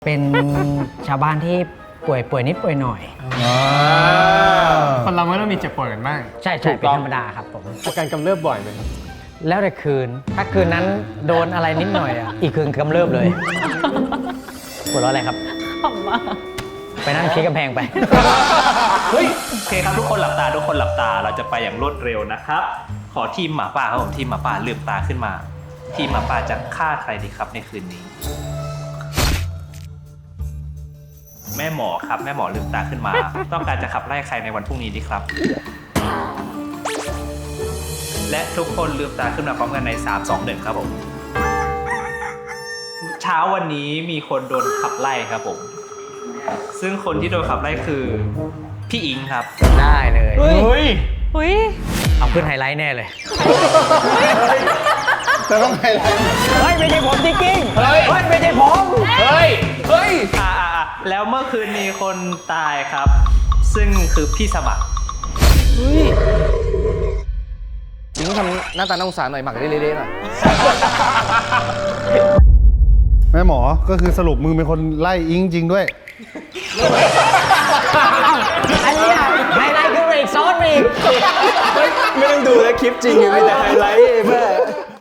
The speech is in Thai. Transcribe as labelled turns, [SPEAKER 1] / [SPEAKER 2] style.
[SPEAKER 1] เป็นชาวบ้านที่ป่วยนิดป่วยหน่อย
[SPEAKER 2] คนเราไม่ต้องมีเจ็บป่วยกันบ้าง
[SPEAKER 1] ใช่เป็นธรรมดาครับผม
[SPEAKER 2] อาการกำเริบบ่อยไหมครับ
[SPEAKER 1] แล้วแต่คืน ถ้าคืนนั้นโดนอะไรนิดหน่อยอีกคืนกำเริบเลยหัวเราะอะไรครับ
[SPEAKER 3] ขำมาก
[SPEAKER 1] ไปนั่งชี้กำแพงไป
[SPEAKER 4] เฮ้ยโอเคครับทุกคนหลับตาเราจะไปอย่างรวดเร็วนะครับ ขอทีมหมาป่าครับผมทีมหมาป่าลืมตาขึ้นมา ทีมหมาป่าจะฆ่าใครดีครับในคืนนี้ แม่หมอครับแม่หมอลืมตาขึ้นมา ต้องการจะขับไล่ใครในวันพรุ่งนี้ดีครับ และทุกคนลืมตาขึ้นมาพร้อมกันใน 3 2 1 ครับผมเช้าวันนี้มีคนโดนขับไล่ครับผมซึ่งคนที่โดนขับไล่คือพี่อิงครับ
[SPEAKER 1] ได้เลย
[SPEAKER 2] เฮ้ย
[SPEAKER 3] อุ้ย
[SPEAKER 1] เอาขึ้นไฮไลท์แน่เลย
[SPEAKER 2] จะต้องไฮไลท์
[SPEAKER 1] เฮ้ยไม่ใช่ผมจริงๆเฮ้ยไม่ใช่ผม
[SPEAKER 2] เฮ้ย
[SPEAKER 4] แล้วเมื่อคืนมีคนตายครับ ซึ่งคือพี่สมัคร
[SPEAKER 2] จริงทำหน้าตาน่าสงสารหน่อยหมักเละๆหน่อย
[SPEAKER 5] แม่หมอก็คือสรุปมึงเป็นคนไล่อิงจริงด้วย
[SPEAKER 1] อันนี้ไฮไลท์คือเบรกซ้อนอีก
[SPEAKER 2] ไม่ต้องดูแล้วคลิปจริงอยู่มีแต่ไฮไลท์เพื่อ